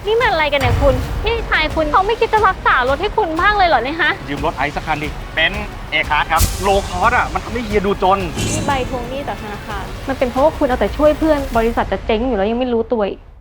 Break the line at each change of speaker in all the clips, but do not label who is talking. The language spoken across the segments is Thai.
นี่มันอะไรกันเนี่ยคุณพี่ชายคุณเขาไม่คิดจะรักษารถให้คุณบ้างเลยเหรอเนี่ยฮะ
ยืมรถไอซ์สักคันดิเป็นเอคาร์ครับโลคอสอ่ะมันทำให้เฮียดูจน
มีใบทวงหนี้จากธนาคารมันเป็นเพราะว่าคุณเอาแต่ช่วยเพื่อนบริษัทจะเจ๊งอยู่แล้วยังไม่รู้ตัวอีก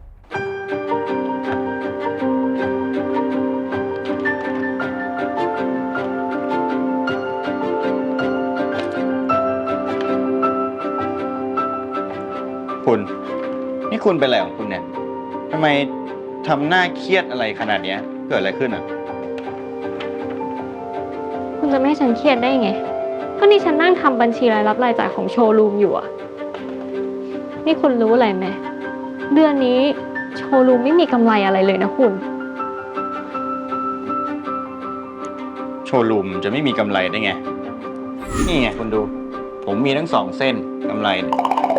คุณนี่คุณเป็นอะไรของคุณเนี่ยทำไมทำหน้าเครียดอะไรขนาดนี้เกิดอะไรขึ้นอ่ะ
คุณจะไม่ให้ฉันเครียดได้ไงก็นี่ฉันนั่งทำบัญชีรายรับรายจ่ายของโชว์รูมอยู่อะนี่คุณรู้อะไรไหมเดือนนี้โชว์รูมไม่มีกำไรอะไรเลยนะคุณ
โชว์รูมจะไม่มีกำไรได้ไงนี่ไงคุณดูผมมีทั้ง2 เส้นกำไรเนี่ย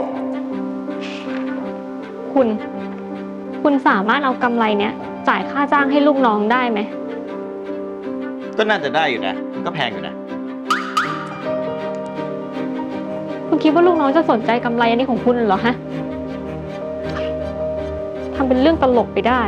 คุณสามารถเอากำไรเนี้ยจ่ายค่าจ้างให้ลูกน้องได้ไหม
ก็น่าจะได้อยู่นะก็แพงอยู่นะ
คุณคิดว่าลูกน้องจะสนใจกำไรอันนี้ของคุณเหรอฮะทำเป็นเรื่องตลกไปได้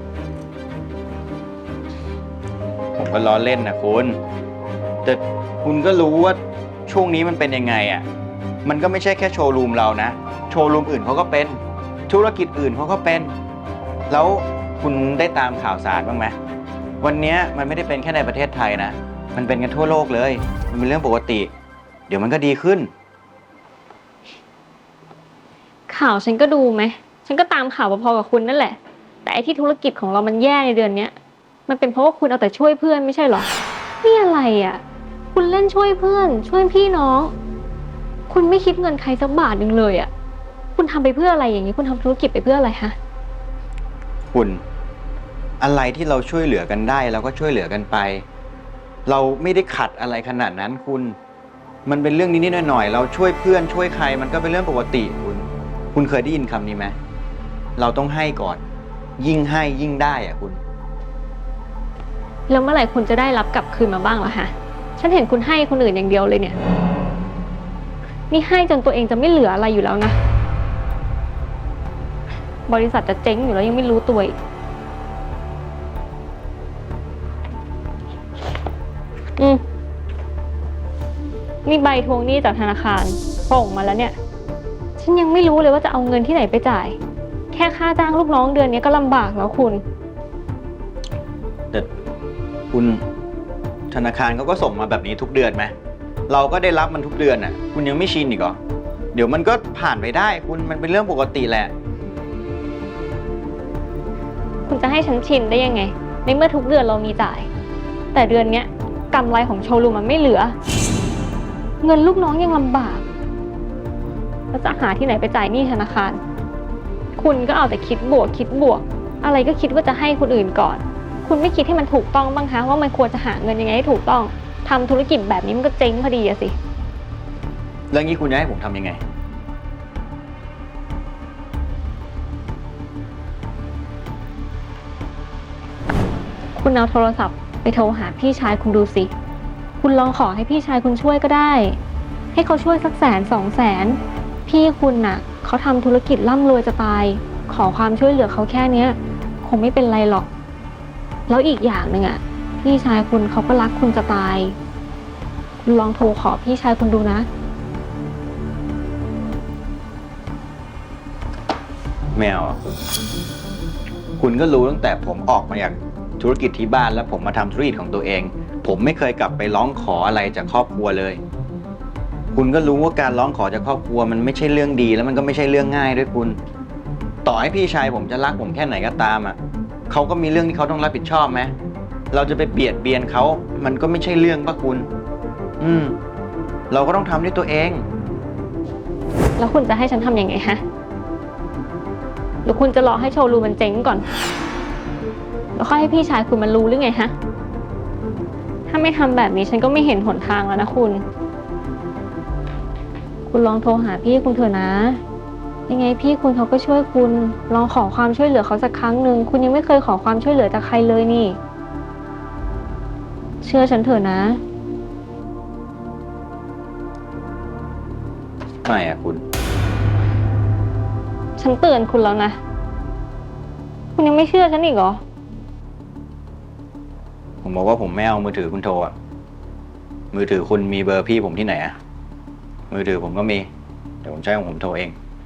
ผมก็ล้อเล่นนะคุณแต่คุณก็รู้ว่าช่วงนี้มันเป็นยังไงอ่ะมันก็ไม่ใช่แค่โชว์รูมเรานะโชว์รูมอื่นเขาก็เป็นธุรกิจอื่นเขาก็เป็นแล้วคุณได้ตามข่าวสารบ้างไหมวันนี้มันไม่ได้เป็นแค่ในประเทศไทยนะมันเป็นกันทั่วโลกเลยมันเป็นเรื่องปกติเดี๋ยวมันก็ดีขึ้น
ข่าวฉันก็ดูไหมฉันก็ตามข่าวพอๆกับคุณนั่นแหละแต่ไอ้ที่ธุรกิจของเรามันแย่ในเดือนเนี้ยมันเป็นเพราะว่าคุณเอาแต่ช่วยเพื่อนไม่ใช่หรอนี่อะไรอ่ะคุณเล่นช่วยเพื่อนช่วยพี่น้องคุณไม่คิดเงินใครสักบาทนึงเลยอ่ะคุณทำไปเพื่ออะไรอย่างนี้คุณทำธุรกิจไปเพื่ออะไรฮะ
คุณอะไรที่เราช่วยเหลือกันได้เราก็ช่วยเหลือกันไปเราไม่ได้ขัดอะไรขนาดนั้นมันเป็นเรื่องนิดๆหน่อยๆเราช่วยเพื่อนช่วยใครมันก็เป็นเรื่องปกติคุณเคยได้ยินคำนี้ไหมเราต้องให้ก่อนยิ่งให้ยิ่งได้อ่ะคุณ
แล้วเมื่อไหร่คุณจะได้รับกลับคืนมาบ้างล่ะฮะฉันเห็นคุณให้คนอื่นอย่างเดียวเลยเนี่ยนี่ให้จนตัวเองจะไม่เหลืออะไรอยู่แล้วนะบริษัทจะเจ๊งอยู่แล้วยังไม่รู้ตัวอีกนี่ใบทวงหนี้จากธนาคารส่งมาแล้วเนี่ยฉันยังไม่รู้เลยว่าจะเอาเงินที่ไหนไปจ่ายแค่ค่าจ้างลูกน้องเดือนนี้ก็ลำบากแล้วคุณ
แต่คุณธนาคารเขาก็ส่งมาแบบนี้ทุกเดือนไหมเราก็ได้รับมันทุกเดือนน่ะคุณยังไม่ชินอีกเหรอเดี๋ยวมันก็ผ่านไปได้มันเป็นเรื่องปกติแหละ
คุณจะให้ฉันชินได้ยังไงในเมื่อทุกเดือนเรามีจ่ายแต่เดือนเนี้ยกำไรของโชว์รูมมันไม่เหลือเงินลูกน้องยังลำบากแล้วจะหาที่ไหนไปจ่ายหนี้ธนาคารคุณก็เอาแต่คิดบวกอะไรก็คิดว่าจะให้คนอื่นก่อนคุณไม่คิดให้มันถูกต้องบ้างคะว่ามันควรจะหาเงินยังไงให้ถูกต้องทำธุรกิจแบบนี้มันก็เจ๊งพอดีอะสิ
แล้วงี้คุณจะให้ผมทำยังไง
คุณเอาโทรศัพท์ไปโทรหาพี่ชายคุณดูสิคุณลองขอให้พี่ชายคุณช่วยก็ได้ให้เขาช่วยสัก100,000-200,000พี่คุณน่ะเขาทำธุรกิจร่ำรวยจะตายขอความช่วยเหลือเขาแค่เนี้ยคงไม่เป็นไรหรอกแล้วอีกอย่างหนึ่งอ่ะพี่ชายคุณเขาก็รักคุณจะตายคุณลองโทรขอพี่ชายคุณดูนะ
ไม่เอาคุณก็รู้ตั้งแต่ผมออกมาจากธุรกิจที่บ้านแล้วผมมาทำธุรกิจของตัวเองผมไม่เคยกลับไปร้องขออะไรจากครอบครัวเลยคุณก็รู้ว่าการร้องขอจากครอบครัวมันไม่ใช่เรื่องดีแล้วมันก็ไม่ใช่เรื่องง่ายด้วยคุณต่อให้พี่ชายผมจะรักผมแค่ไหนก็ตามอ่ะเขาก็มีเรื่องที่เขาต้องรับผิดชอบไหมเราจะไปเบียดเบียนเขามันก็ไม่ใช่เรื่องป่ะคุณเราก็ต้องทำด้วยตัวเอง
แล้วคุณจะให้ฉันทำยังไงฮะหรือคุณจะรอให้โชว์รูมมันเจ๊งก่อนแล้วค่อยให้พี่ชายคุณมันรู้หรือไงฮะถ้าไม่ทำแบบนี้ฉันก็ไม่เห็นหนทางแล้วนะคุณลองโทรหาพี่คุณเถอะนะยังไงพี่คุณเขาก็ช่วยคุณลองขอความช่วยเหลือเขาสักครั้งหนึ่งคุณยังไม่เคยขอความช่วยเหลือจากใครเลยนี่เชื่อฉันเถอะนะ
ไม่อะคุณ
ฉันเตือนคุณแล้วนะคุณยังไม่เชื่อฉันอีกเหรอ
ผมบอกว่าผมไม่เอามือถือคุณโทรอะมือถือคุณมีเบอร์พี่ผมที่ไหนอะมือถือผมก็มี เดี๋ยวผมใช้ของผมโทรเอง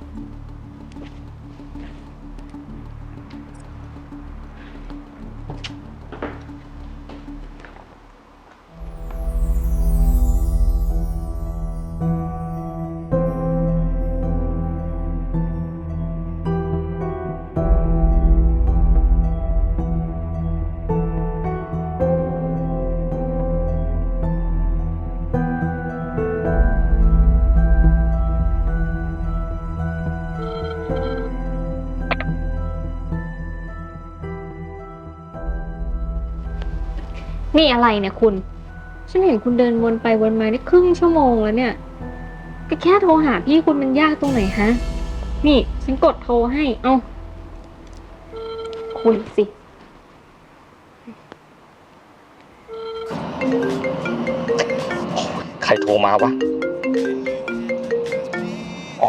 นี่อะไรเนี่ยคุณ ฉันเห็นคุณเดินวนไปวนมาได้ครึ่งชั่วโมงแล้วเนี่ย ก็แค่โทรหาพี่คุณมันยากตรงไหนฮะ นี่ฉันกดโทรให้ เอาคุยสิ
ใครโทรมาวะอ๋อ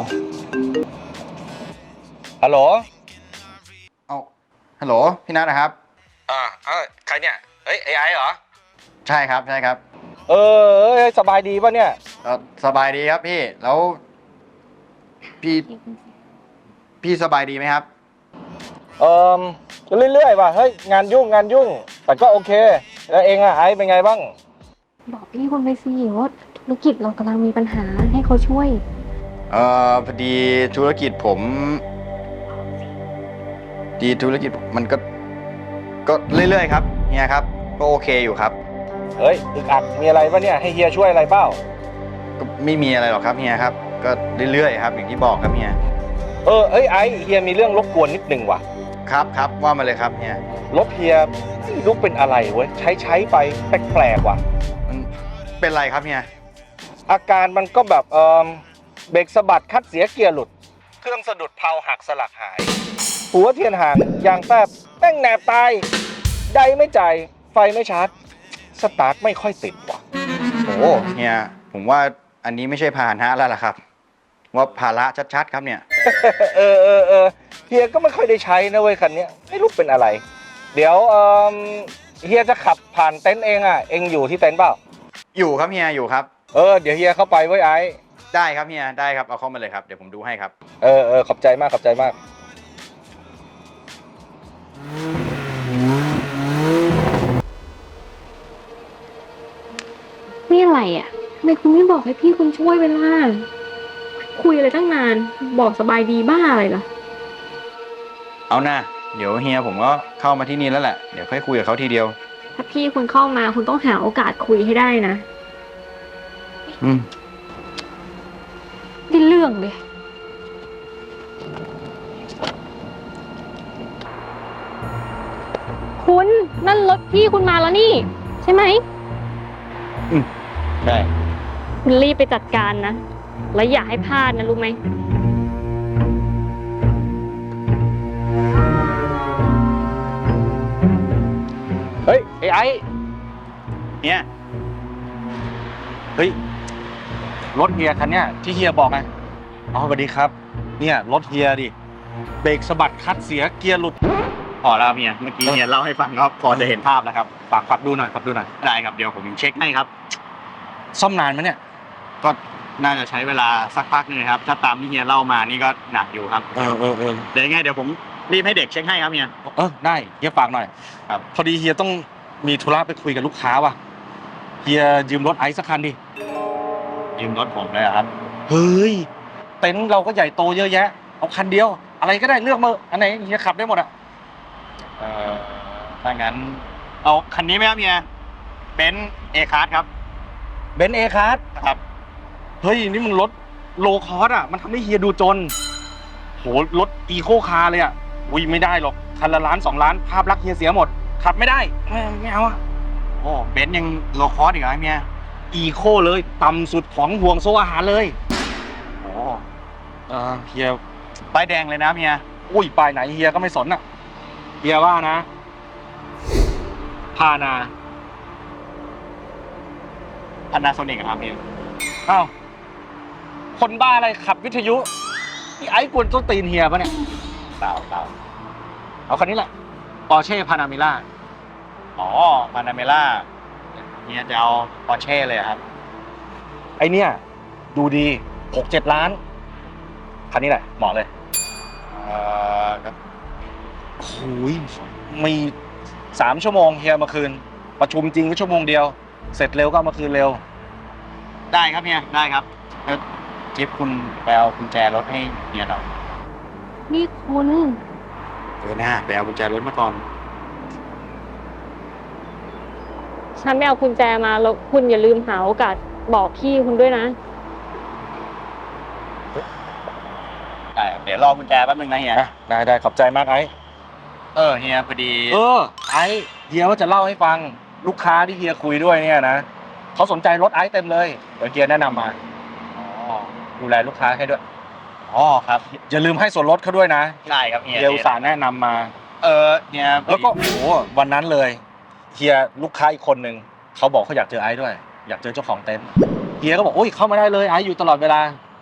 ฮัลโหล
เอาฮัลโหลพี่นัทนะครับ
ใครเนี่ยเฮ้ยไอ้เหรอ
ใช่ครับใช่ครับ
สบายดีป่ะเนี่ย
สบายดีครับพี่ แล้วพี่สบายดีไหมครับ
เรื่อยๆว่ะเฮ้ยงานยุ่งแต่ก็โอเคแล้วเองอะไอ้เป็นไงบ้าง
บอกพี่คุณไปสิว่าธุรกิจเรากำลังมีปัญหาให้เขาช่วย
พอดีธุรกิจผมมันก็เรื่อยๆครับเฮียครับ ก็โอเคอยู่ครับ
เฮ้ยอึกอักมีอะไรป่ะเนี่ยให้เฮียช่วยอะไรเปล่า
ก็ไม่มีอะไรหรอกครับเฮียครับ ก็เรื่อยๆครับอย่างที่บอกครับเฮีย
ไอ้เฮียมีเรื่องรบกวนนิดนึงว่ะ
ครับว่ามาเลยครับเฮีย
รถเฮียไม่รู้เป็นอะไรเว้ยใช้ไปแปลกๆว่ะ
มันเป็นไรครับเฮีย
อาการมันก็แบบเบรกสะบัดคัดเสียเกียร์หลุด เครื่องสะดุดเพลาหักสลักหาย หัวเทียนห่างยางแป๊บแป้งแหนบตายใดไม่จ่ายไฟไม่ชาร์จสตาร์ทไม่ค่อยติดว่ะ
โอ้เฮียผมว่าอันนี้ไม่ใช่พาหนะแล้วล่ะครับ ว่าภาระชัดๆครับเนี่ย
เฮียก็ไม่ค่อยได้ใช้นะเว้ยคันนี้ไม่รู้เป็นอะไร เดี๋ยวเฮียจะขับผ่านเต็นท์เองเองอยู่ที่เต็นท์เปล่า
อยู่ครับเฮียอยู่ครับ
เดี๋ยวเฮียเข้าไปไว้ไอ้
ได้ครับเฮียได้ครับเอาเข้ามาเลยครับเดี๋ยวผมดูให้ครับ
ขอบใจมากขอบใจมาก
นี่อะไรอ่ะทำไมคุณไม่บอกให้พี่คุณช่วยเวลาคุยอะไรตั้งนาน บอกสบายดีบ้าอะไรล่ะ
เอาหน้าเดี๋ยวเฮียผมก็เข้ามาที่นี่แล้วแหละเดี๋ยวค่อยคุยกับเขาทีเดียว
ถ้าพี่คุณเข้ามาคุณต้องหาโอกาสคุยให้ได้นะ
อืม
ได้เรื่องเลย คุณนั่นรถพี่คุณมาแล้วนี่ ใช่ไหม
ใช่
คุณรีบไปจัดการนะ แล้วอย่าให้พลาดนะรู้ไหม
เฮ้ยไอ้
เฮีย
เฮ้ยรถเฮียคันเนี้ยที่เฮียบอกไงอ๋อสวัสดีครับเนี่ยรถเฮียดิเบรกสะบัดคัดเสียเกียร์หลุด
พอแล้วเฮียเมื่อกี้เฮียเล่าให้ฟังครับพอจะเห็นภาพแล้วครับ
ฝากดูหน่อย
ได้ครับเดี๋ยวผมเช็คให้ครับ
ซ่อมนานไหมเนี่ย
ก็น่าจะใช้เวลาสักพักนึงครับถ้าตามที่เฮียเล่ามานี่ก็หนักอยู่ครับเดี๋ยวยังไงเดี๋ยวผมรีบให้เด็กเช็คให้ครับเฮีย
ได้เฮียฝากหน่อย
ครับ
พอดีเฮียต้องมีธุระไปคุยกับลูกค้าว่ะเฮียยืมรถไอซ์สักคันดิ
ยืมรถผมเลยเหรอครับ
เฮ้ยเต็นท์เราก็ใหญ่โตเยอะแยะเอาคันเดียว อะไรก็ได้เลือกมาอันไหนเฮียขับได้หมดอะ
ถ้างั้นเอาคันนี้ไหมครับเฮียเบนซ์เอคาร์ครับ
เบนซ์เอคาร์
ครับ
เฮ้ยนี่มันรถโลคอสมันทำให้เฮียดูจนโหรถอีโคคาร์เลยอุ้ยไม่ได้หรอกคันละล้าน2 ล้านภาพลักษณ์เฮียเสียหมดขับไม่ได้ไม่เอา
โอ้เบนซ์ยังโลคอสอีกเหรอครับเฮีย
อีโคเลยต่ำสุดของห่วงโซ่อาหารเลย
โอ้
เฮีย
ป้ายแดงเลยนะเฮีย
อุ้ยป้ายไหนเฮียก็ไม่สนเฮียว่านะพานา
Panasonic ครับเฮีย
อ้าวคนบ้าอะไรขับวิทยุนี่ไอ้กวนต้นตีนเฮียปะเนี่ย
เปล่า
เอาคันนี้แหละปอร์เช่พานาเมล่า
อ๋อพานาเมล่าเนี่ยจะเอาปอร์เช่เลยครับ
ไอเนี่ยดูดี 6-7 ล้าน คันนี้แหละเหมาะเลย
ครับ
โอ้ยมี3 ชั่วโมงเฮียมาคืน ประชุมจริงก็ชั่วโมงเดียว เสร็จเร็วก็เอามาคืนเร็ว
ได้ครับเฮียได้ครับแล้วจิ๊บคุณไปเอากุญแจรถให้เฮียหน่อย
นี่คุณ
หน้าไปเอากุญแจรถมาก่อน
ฉันไม่เอากุญแจมาแล้วคุณอย่าลืมหาโอกาสบอกพี่คุณด้วยนะ
ได้ครับเดี๋ยวรอกุญแจแป๊บนึงนะเฮีย
ได้ขอบใจมากไอ้
เฮียพอดี
ไอ้เฮียว่าจะเล่าให้ฟังลูกค้าที่เฮียคุยด้วยเนี่ยนะเขาสนใจรถไอ้เต็มเลยเดี๋ยวเฮียแนะนำมา
อ๋อ
ดูแลลูกค้าให้ด้วย
อ๋อครับ
อย่าลืมให้ส่วนลดเขาด้วยนะ
ได้ครับเฮีย
เฮียอุตส่าห์แนะนำมา
เฮีย
แล้วก็โอ้โหวันนั้นเลยเฮียลูกค้าอีกคนนึงเขาบอกเขาอยากเจอไอ้ด้วย อยากเจอเจ้าของเต็นท์เฮียก็บอกโอ้ยเข้ามาได้เลยไอ้อยู่ตลอดเวลา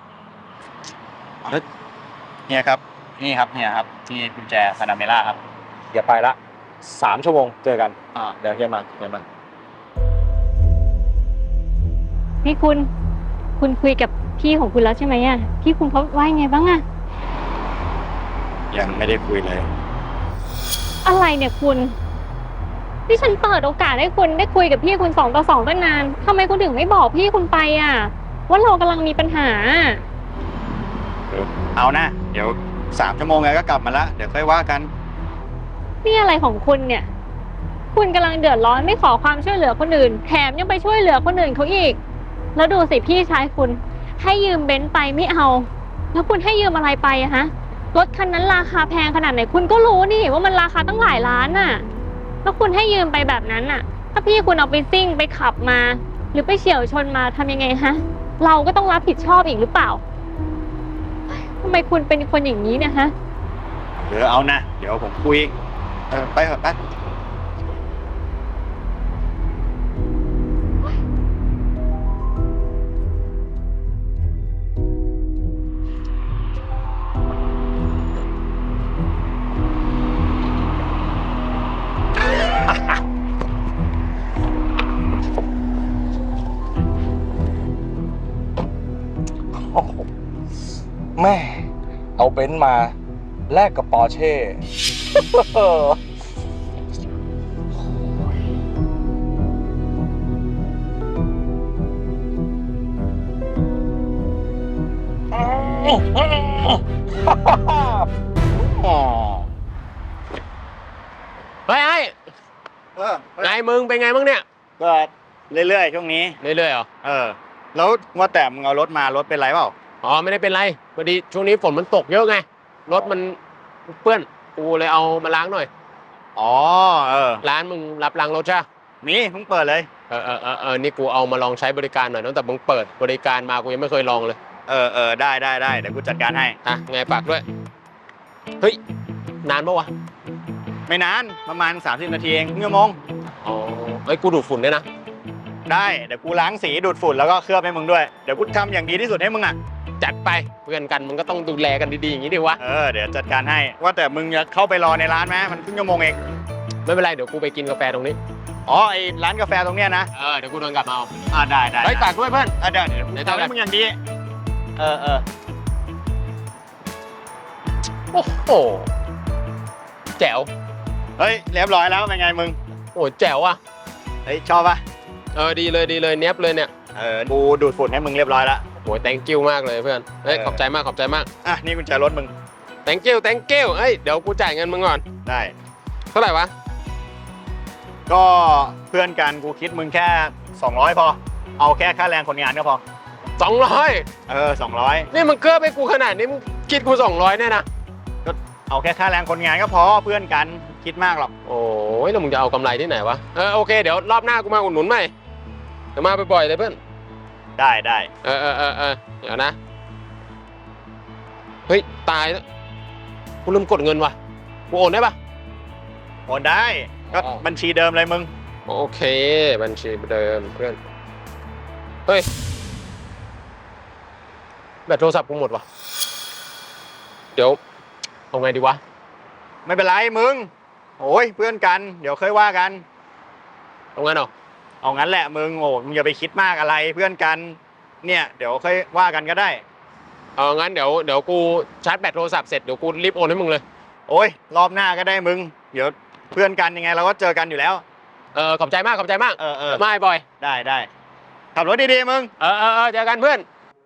เฮียครับนี่ครับเฮียครับที่กุญแจพานาเมล่าครับ
เฮียไปละ3 ชั่วโมงเจอกันเดี๋ยวเฮียมา
นี่คุณคุยกับพี่ของคุณแล้วใช่ไหมอะพี่คุณเขาว่ายังไงบ้างอะ
ยังไม่ได้คุยเลย
อะไรเนี่ยคุณที่ฉันเปิดโอกาสให้คุณได้คุยกับพี่คุณ2 ต่อ 2ตั้งนานทำไมคุณถึงไม่บอกพี่คุณไปอะว่าเรากำลังมีปัญหา
เอานะเดี๋ยว3 ชั่วโมงไงก็กลับมาละเดี๋ยวค่อยว่ากัน
นี่อะไรของคุณเนี่ย คุณกำลังเดือดร้อนไม่ขอความช่วยเหลือคนอื่นแถมยังไปช่วยเหลือคนอื่นเขาอีกแล้วดูสิพี่ชายคุณให้ยืมเบนซ์ไปไม่เอาแล้วคุณให้ยืมอะไรไปอะฮะรถคันนั้นราคาแพงขนาดไหนคุณก็รู้นี่ว่ามันราคาตั้งหลายล้านน่ะแล้วคุณให้ยืมไปแบบนั้นน่ะ ถ้าพี่คุณเอาไปซิ่งไปขับมา หรือไปเฉี่ยวชนมาทำยังไงฮะเราก็ต้องรับผิดชอบอีกหรือเปล่าทำไมคุณเป็นคนอย่างนี้เนี่ยฮะ
เดี๋ยวเอานะเดี๋ยวผมคุยไปเถอะไป
โอ้โหแม่เอาเบนซ์มาแลกกับปอร์เช่
เฮ้ยไอ้ไงมึงเป็นไงบ้างเนี่ย
ก็เรื่อยๆช่วงนี้
เรื่อยๆเหรอ
แล้วว่าแต่มึงเอารถมารถเป็นไรเปล่า
อ๋อไม่ได้เป็นไรพอดีช่วงนี้ฝนมันตกเยอะไงรถมันเปื้อนกูเลยเอามาล้างหน่อย
อ๋อ
ร้านมึงรับล้างรถใช่ปะ
นี่เพิ่งเปิดเลย
นี่กูเอามาลองใช้บริการหน่อยตั้งแต่มึงเปิดบริการมากูยังไม่เคยลองเลย
ได้เดี๋ยวกูจัดการให้
ไงฝากด้วยเฮ้ยนานปะวะ
ไม่นานประมาณ30 นาทีเอง1 ชั่วโมง
อ๋อเฮ้ยกูดูดฝุ่นด้วยนะ
ได้เดี๋ยวกูล้างสีดูดฝุ่นแล้วก็เคลือบให้มึงด้วยเดี๋ยวกูทำอย่างดีที่สุดให้มึงอ่ะ
จัดไปเพื่อนกันมึงก็ต้องดูแลกันดีๆอย่างนี้ดิวะ
เดี๋ยวจัดการให้ว่าแต่มึงจะเข้าไปรอในร้านไหมมันครึ่งชั่วโมงเอง
ไม่เป็นไรเดี๋ยวกูไปกินกาแฟตรงนี้
อ๋อไอ้ร้านกาแฟตรงเนี้ยนะ
เดี๋ยวกูเดินกลับมาเอา
ได้
เฮ้ยฝากด้วยเพื่อน
เดี๋ยวกูทำให้มึงอย่างดีเออ
โอ้โหแจ๋ว
เฮ้ยเรียบร้อยแล้วเป็นไงมึง
โอ้แจ๋วอ่ะ
เฮ้ยชอบปะ
ดีเลยเนี้ยบเลยเนี่ย
กูดูดฝุ่นให้มึงเรียบร้อยแล้ว
โอ้ย thank you มากเลยเพื่อนเฮ้ยขอบใจมาก
นี่กุญแจรถมึง
thank you เฮ้ยเดี๋ยวกูจ่ายเงินมึงก่อน
ได้
เท่าไหร่วะ
ก็เพื่อนกันกูคิดมึงแค่200พอเอาแค่ค่าแรงคนงานก็พอ
200
200
นี่มึงเกือบให้กูขนาดนี้มึงคิดกู200เนี่ยนะ
ก็เอาแค่ค่าแรงคนงานก็พอเพื่อนกันคิดมากหรอก
โอ้ยแล้วมึงจะเอากำไรที่ไหนวะโอเคเดี๋ยวรอบหน้ากูมาอุดหนุนใหม่เดี๋ยวมาบ่อยๆเลยเพื่อน
ได้
เดี๋ยวนะเฮ้ยตายแล้วกูลืมกดเงินว่ะกูโอนได้ปะ
โอนได้ก็บัญชีเดิมเลยมึง
โอเคบัญชีเดิมเพื่อนเฮ้ยแบตโทรศัพท์กูหมดว่ะเดี๋ยวเอาไงดีวะ
ไม่เป็นไรมึงโอ้ยเพื่อนกันเดี๋ยวค่อยว่ากัน
เอางั้นเหรอ
เอางั้นแหละมึงโอ้มึงอย่าไปคิดมากอะไรเพื่อนกันเนี่ยเดี๋ยวค่อยว่ากันก็ได้
เอางั้นเดี๋ยวกูชาร์จแบตโทรศัพท์เสร็จเดี๋ยวกูรีบโอนให้มึงเลย
โอ้ยรอบหน้าก็ได้มึงเดี๋ยวเพื่อนกันยังไงเราก็เจอกันอยู่แล้ว
ขอบใจมากขอบใจมาก
เออ
ไม่บอย
ได้ขับรถดีๆมึง
เจอกันเพื่อน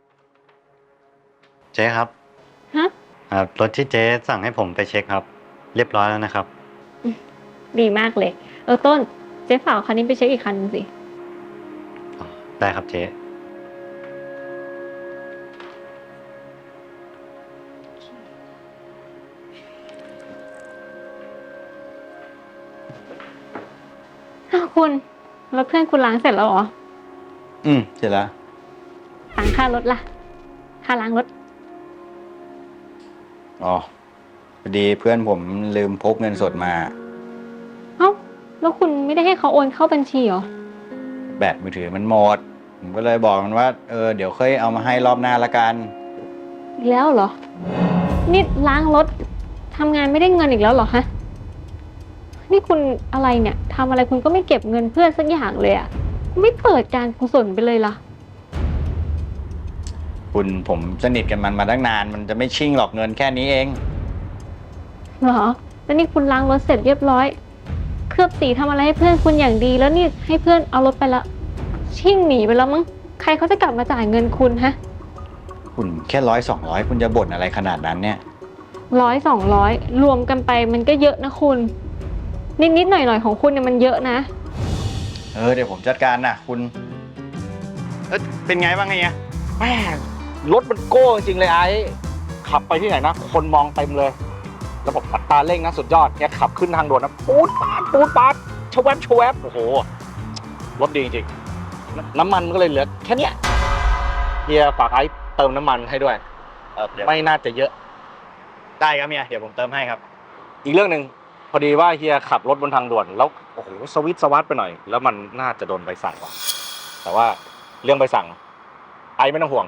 เจ๊ครับ
ฮะ
รถที่เจ๊สั่งให้ผมไปเช็คครับ เรียบร้อยแล้วนะครับ
ดีมากเลย ต้น เจ๊ฝากคันนี้ไปเช็คอีกคันนึงสิ
ได้ครับเจ๊
อ้าวคุณ แล้วเพื่อนคุณล้างเสร็จแล้วเหรอ
เสร็จแล้ว
ตังค่ารถล่ะ ค่าล้างรถ
อ๋อพอดีเพื่อนผมลืมพกเงินสดมา
เอ้า แล้วคุณไม่ได้ให้เขาโอนเข้าบัญชีเหรอ
แบตมือถือมันหมดผมก็เลยบอกมันว่าเดี๋ยวค่อยเอามาให้รอบหน้าละกัน
อีกแล้วเหรอ นี่ล้างรถทำงานไม่ได้เงินอีกแล้วเหรอฮะ นี่คุณอะไรเนี่ยทำอะไรคุณก็ไม่เก็บเงินเพื่อนสักอย่างเลยอะไม่เปิดการกุศลไปเลยล่ะ
ผมสนิทกันมันมาตั้งนานมันจะไม่ชิ่งหรอกเงินแค่นี้เอง
เหรอ แล้วนี่คุณล้างรถเสร็จเรียบร้อย เคลือบสีทำอะไรให้เพื่อนคุณอย่างดี แล้วนี่ให้เพื่อนเอารถไปละชิ่งหนีไปแล้วมั้ง ใครเขาจะกลับมาจ่ายเงินคุณฮะ
คุณแค่100-200คุณจะบ่นอะไรขนาดนั้นเนี่ย
100-200รวมกันไปมันก็เยอะนะคุณ นิดๆหน่อยๆของคุณเนี่ยมันเยอะนะ
เดี๋ยวผมจัดการนะคุณเป็นไงบ้างเนี่ย
แม่งรถมันโก้จริงๆเลยไอ้ขับไปที่ไหนนะ คนมองเต็มเลยระบบอัตราเร่งนะสุดยอดเนี่ยขับขึ้นทางด่วนนะปูดปาดชวบโอ้โหรถดีจริงๆน้ำมันก็เลยเหลือแค่เนี้ยเฮียฝากไอ้เติมน้ำมันให้ด้วยไม่น่าจะเยอะ
ได้ครับเมียเดี๋ยวผมเติมให้ครับ
อีกเรื่องหนึ่งพอดีว่าเฮียขับรถบนทางด่วนแล้วโอ้โหสวิตช์สวัสดไปหน่อย แล้วมันน่าจะโดนใบสั่งว่ะแต่ว่าเรื่องใบสั่งไอ้ไม่ต้องห่วง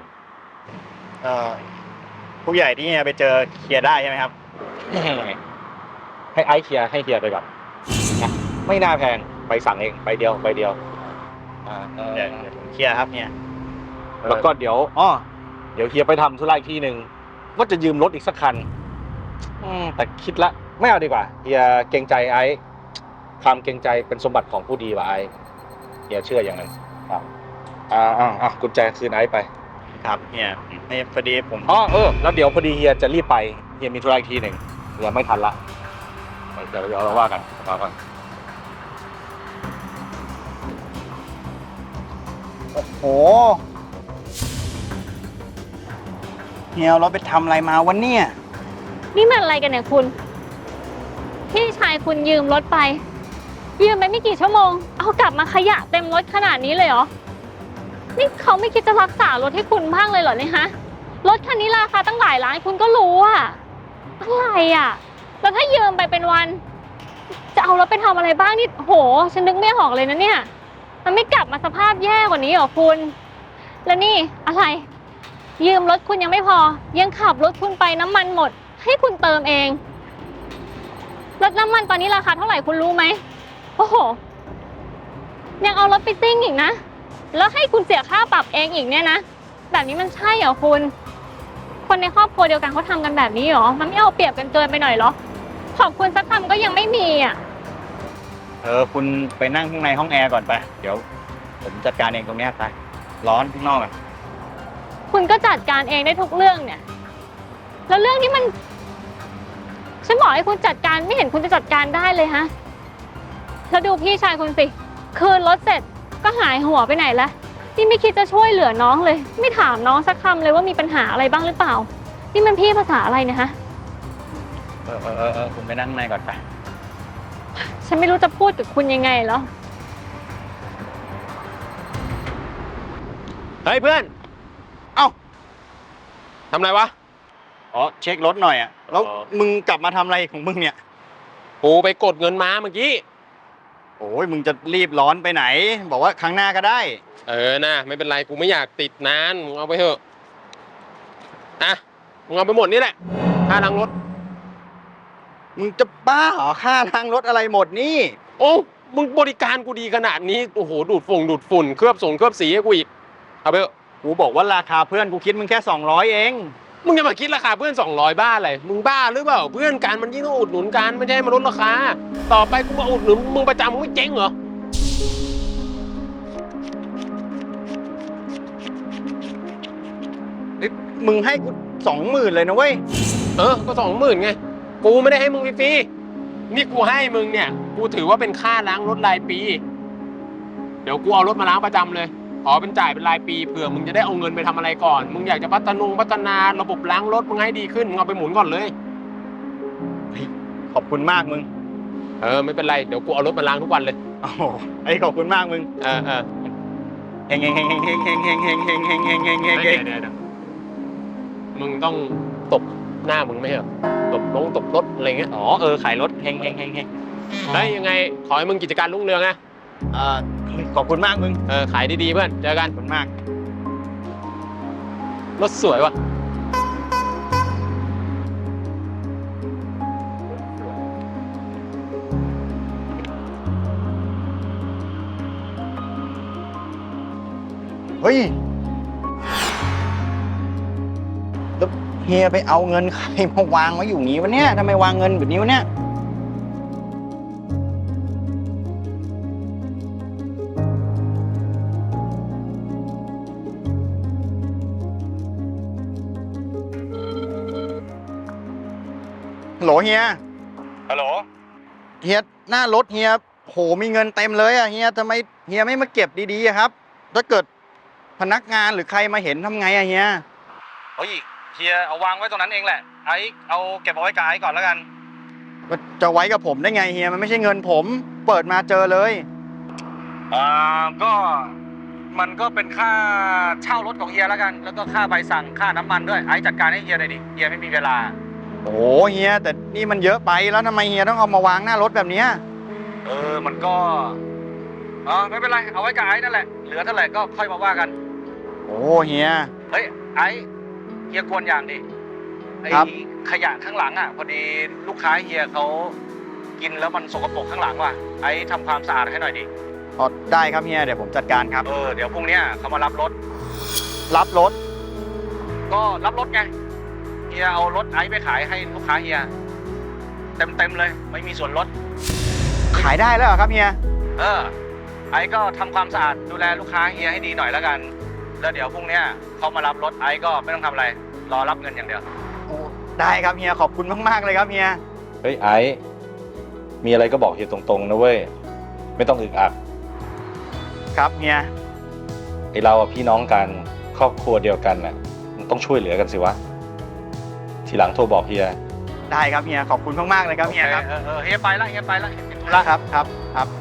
ผู้ใหญ่ที่เฮียไปเจอเคลียร์ได้ใช่ไหมครับ
ให้ไอ้เคลียร์ให้เฮียไปก่อนนะไม่น่าแพงใบสั่งเองใบเดียวเดี๋ยว
ผมเคลียร์ครับเฮีย
แล้วก็เดี๋ยวเฮียไปทำธุระอีกที่หนึ่งว่าจะยืมรถอีกสักคันแต่คิดละไม่เอาดีกว่าเฮียเกรงใจไอ้ความเกรงใจเป็นสมบัติของผู้ดีว่ะไอ้เฮียเชื่ออย่างนั้นครับกุญแจคืนไอ้ไป
ครับเฮียนี่พอดีผม
แล้วเดี๋ยวพอดีเฮียจะรีบไปเฮียมีธุระอีกทีหนึ่งเฮียไม่ทันละเดี๋ยวเราว่ากัน
โอ้โหเฮียเราไปทำอะไรมาวันนี้
นี่มันอะไรกันเนี่ยคุณ พี่ชายคุณยืมรถไป ยืมไปไม่กี่ชั่วโมง เอากลับมาขยะเต็มรถขนาดนี้เลยเหรอ นี่เขาไม่คิดจะรักษารถให้คุณบ้างเลยเหรอเนี่ยฮะ รถคันนี้ราคาตั้งหลายล้านคุณก็รู้อะอะไรอะแล้วถ้ายืมไปเป็นวัน จะเอารถไปทำอะไรบ้างนี่โหฉันนึกไม่ออกเลยนะเนี่ย มันไม่กลับมาสภาพแย่กว่านี้เหรอคุณ แล้วนี่อะไร ยืมรถคุณยังไม่พอ ยังขับรถคุณไปน้ำมันหมด ให้คุณเติมเองรถน้ำมันตอนนี้ราคาเท่าไหร่คุณรู้ไหมโอ้โหยังเอารถไปซิ่งอีกนะแล้วให้คุณเสียค่าปรับเองอีกเนี่ยนะแบบนี้มันใช่เหรอคุณคนในครอบครัวเดียวกันเขาทำกันแบบนี้เหรอมันไม่เอาเปรียบกันเกินไปหน่อยเหรอขอบคุณสักคำก็ยังไม่มีอ่ะ
คุณไปนั่งข้างในห้องแอร์ก่อนไปเดี๋ยวผมจัดการเองตรงนี้ไปร้อนข้างนอกอ่ะ
คุณก็จัดการเองได้ทุกเรื่องเนี่ยแล้วเรื่องที่มันฉันบอกให้คุณจัดการไม่เห็นคุณจะจัดการได้เลยฮะแล้วดูพี่ชายคุณสิคืนรถเสร็จก็หายหัวไปไหนละนี่ไม่คิดจะช่วยเหลือน้องเลยไม่ถามน้องสักคำเลยว่ามีปัญหาอะไรบ้างหรือเปล่านี่มันพี่ภาษาอะไรเนี่ยฮะ
คุณไปนั่งข้างในก่อนไป
ฉันไม่รู้จะพูดกับคุณยังไงแล้ว
เฮ้ยเพื่อน
เอ้า
ทำอะไรวะ
เช็ครถหน่อยอ่ะแล้ว
อ๋อ
มึงกลับมาทำอะไรของมึงเนี่ย
กูไปกดเงินมาเมื่อกี้
โอ้ยมึงจะรีบร้อนไปไหน บอกว่าครั้งหน้าก็ได้
นะไม่เป็นไรกูไม่อยากติดนานมึงเอาไปเถอะมึงเอาไปหมดนี่แหละค่าล้างรถ
มึงจะบ้าเหรอค่าล้างรถอะไรหมดนี่
โอ้มึงบริการกูดีขนาดนี้โอ้โหดูดฝุ่นเคลือบสีให้กูอีกเอาไปเถอะ
กูบอกว่าราคาเพื่อนกูคิดมึงแค่200เอง
มึงจะมาคิดราคาเพื่อน200บ้าอะไรมึงบ้าหรือเปล่าเพื่อนกันมันยิ่งต้องอุดหนุนกันไม่ใช่มาลดราคาต่อไปกูมาอุดหนุนมึงประจำมึงไม่เจ๊งเหรอ
มึงให้กู20,000เลยนะเว้ย
ก็20,000ไงกูไม่ได้ให้มึงฟรีๆนี่กูให้มึงเนี่ยกูถือว่าเป็นค่าล้างรถรายปีเดี๋ยวกูเอารถมาล้างประจำเลยขอเป็นจ่ายเป็นรายปีเผื่อมึงจะได้เอาเงินไปทำอะไรก่อนมึงอยากจะพัฒนาระบบล้างรถมึงให้ดีขึ้นมึงเอาไปหมุนก่อนเลย
ขอบคุณมากมึง
ไม่เป็นไรเดี๋ยวกูเอารถมาล้างทุกวันเลย
โอ้โหไอ้ขอบคุณมากมึง
เฮง
เฮงเฮงเฮงเฮงเฮงเฮงเฮงเฮงเฮงเฮงเฮงเฮงเฮง
เดี๋ยวมึงต้องตบหน้ามึงไม่ใช่เหรอตบรถอะไรเงี้ย
อ๋อขายรถเฮงเฮงเฮงเฮง
ได้ยังไงขอให้มึงกิจการรุ่งเรืองนะ
ขอบคุณมากมึง
ขายดีๆเพื่อนเจอกัน
ขอบคุณมาก
รถสวยว่ะ
เฮ้ยแล้วเฮียไปเอาเงินใครมาวางไว้อยู่งี้วะเนี่ยทำไมวางเงินแบบนี้วะเนี่ยฮัลโหลเฮีย
ฮัลโหล
เฮียหน้ารถเฮียโหมีเงินเต็มเลยอะเฮียทำไมเฮียไม่มาเก็บดีๆอะครับถ้าเกิดพนักงานหรือใครมาเห็นทำไงอะเฮีย
เฮ้ยเฮียเอาวางไว้ตรงนั้นเองแหละไอ้เอาเก็บเอาไว้กับไอ้ก่อนแล้วกัน
จะไว้กับผมได้ไงเฮียมันไม่ใช่เงินผมเปิดมาเจอเลย
ก็มันก็เป็นค่าเช่ารถของเฮียแล้วกัน แล้วก็ค่าใบสั่งค่าน้ำมันด้วยไอ้จัดการให้เฮียหน่อยดิเฮียไม่มีเวลา
โอ้เฮียแต่นี่มันเยอะไปแล้วทำไมเฮียต้องเอามาวางหน้ารถแบบเนี้ย
มันก็ไม่เป็นไรเอาไว้กับไอ้นั่นแหละเหลือเท่าไหร่ก็ค่อยมาว่ากัน
โอ้เฮีย
เฮ้ยไอ้เฮียกวนอย่างดิไอ้
ครับ
ขยะข้างหลังอ่ะพอดีลูกค้าเฮียเขากินแล้วมันสกปรกข้างหลังว่ะไอ้ทำความสะอาดให้หน่อยดิ
อ๋อได้ครับเฮียเดี๋ยวผมจัดการครับ
เดี๋ยวพรุ่งนี้เขามารับรถ
รับรถ
ก็รับรถไงเฮียเอารถไอ้ไปขายให้ลูกค้าเฮียเต็มเลยไม่มีส่วนลด
ขายได้แล้วเหรอครับเฮีย
ไอ้ก็ทำความสะอาดดูแลลูกค้าเฮียให้ดีหน่อยแล้วกันแล้วเดี๋ยวพรุ่งนี้เขามารับรถไอ้ก็ไม่ต้องทำอะไรรอรับเงินอย่างเดียว
โอ้ได้ครับเฮียขอบคุณมากๆเลยครับเฮีย
เฮ้ยไอ้มีอะไรก็บอกเฮียตรงๆนะเว้ยไม่ต้องอึกอัก
ครับเฮีย
ไอเราอะพี่น้องกันครอบครัวเดียวกันน่ะมันต้องช่วยเหลือกันสิวะทีหลังโทรบอกเฮีย
ได้ครับเฮียขอบคุณมากๆเลยครับเฮียครับ
เฮียไปละเฮียไปละ
ครับ